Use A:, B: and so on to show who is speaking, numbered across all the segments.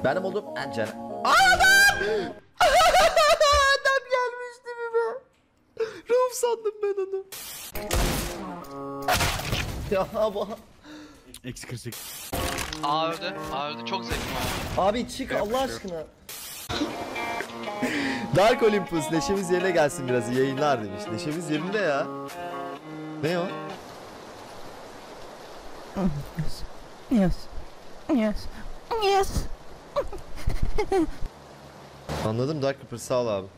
A: Benim oğlum Ancana. Adam! Adam gelmişti mi? Rauf sandım ben onu. Ya bu.
B: Eksi 48.
C: A öldü. A öldü. Çok zevkli ama.
A: Abi çık Allah aşkına. Dark Olympus neşemiz yerine gelsin biraz iyi yayınlar demiş. Neşemiz yerinde ya. Ne o?
D: Yes. Yes. Yes.
A: Anladım Dark Olympus sağ ol abi.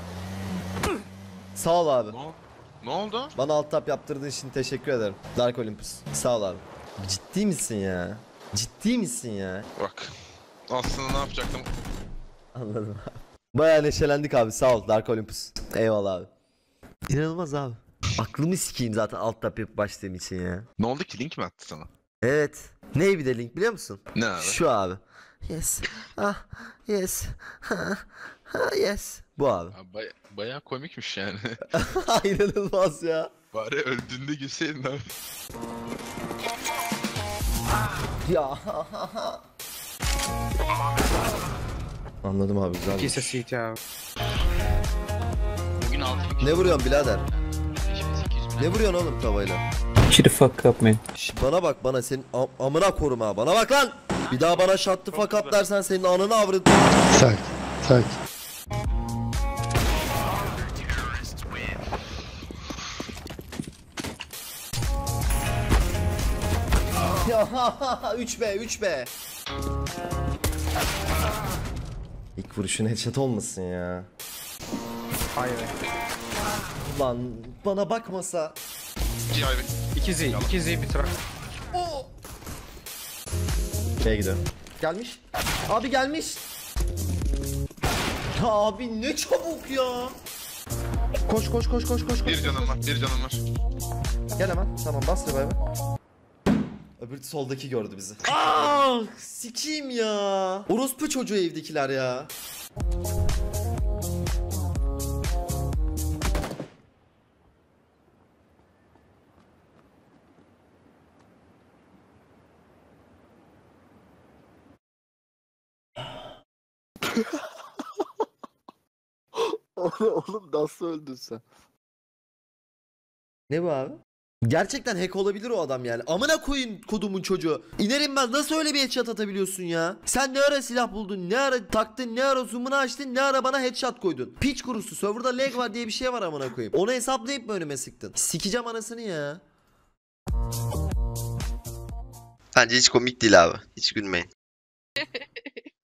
A: Sağ ol abi.
E: Ne oldu?
A: Bana alt tap yaptırdığın için teşekkür ederim. Dark Olympus. Sağ ol abi. Ciddi misin ya? Ciddi misin ya?
E: Bak. Aslında ne yapacaktım?
A: Anladım abi. Bayağı neşelendik abi. Sağ ol Dark Olympus. Eyvallah abi. İnanılmaz abi. Aklımı sikeyim zaten alt tap yapıp başladığım için ya.
E: Ne oldu ki? Link mi attı sana?
A: Evet. Ney bir de link biliyor musun?
E: Ne abi?
A: Şu abi. Yes. Ah. Yes. Yes. Bu abi.
E: Bayağı komikmiş yani.
A: İnanılmaz ya.
E: Bari öldüğünde gülseydin abi.
A: Ya. Anladım abi güzel.
F: Piece of shit ya.
C: Bugün 6
A: Ne vuruyorsun birader?
C: Şimdi 800 bin.
A: Ne vuruyorsun oğlum tavayla?
F: Shut the fuck up man.
A: Bana bak bana senin amına korum ha. Bana bak lan. Bir daha bana shut the fuck up dersen senin ananı avrat.
G: Tak. Tak.
A: Ya 3B 3B. İlk vuruşun headshot olmasın ya.
F: Hayır.
A: Ulan bana bakmasa.
E: G-Highway.
F: 2Z bir trak.
A: Şeye gidiyorum. Gelmiş. Abi gelmiş. Ya abi ne çabuk ya. Koş koş koş koş koş.
E: Bir canım var, bir canım var.
A: Gel hemen. Tamam bas revive'ı. Öbür soldaki gördü bizi. Ah sikiyim ya. Orospu çocuğu evdekiler ya.
G: Oğlum nasıl öldün sen?
A: Ne bu abi? Gerçekten hack olabilir o adam yani. Amına koyun kodumun çocuğu. İnerim ben nasıl öyle bir headshot atabiliyorsun ya? Sen ne ara silah buldun? Ne ara taktın? Ne ara zoom'unu açtın? Ne ara bana headshot koydun? Piç kurusu. Serverda lag var diye bir şey var amına koyayım. Onu hesaplayıp mı önüme sıktın? Sikeceğim anasını ya.
H: Bence hiç komik değil abi. Hiç gülmeyin.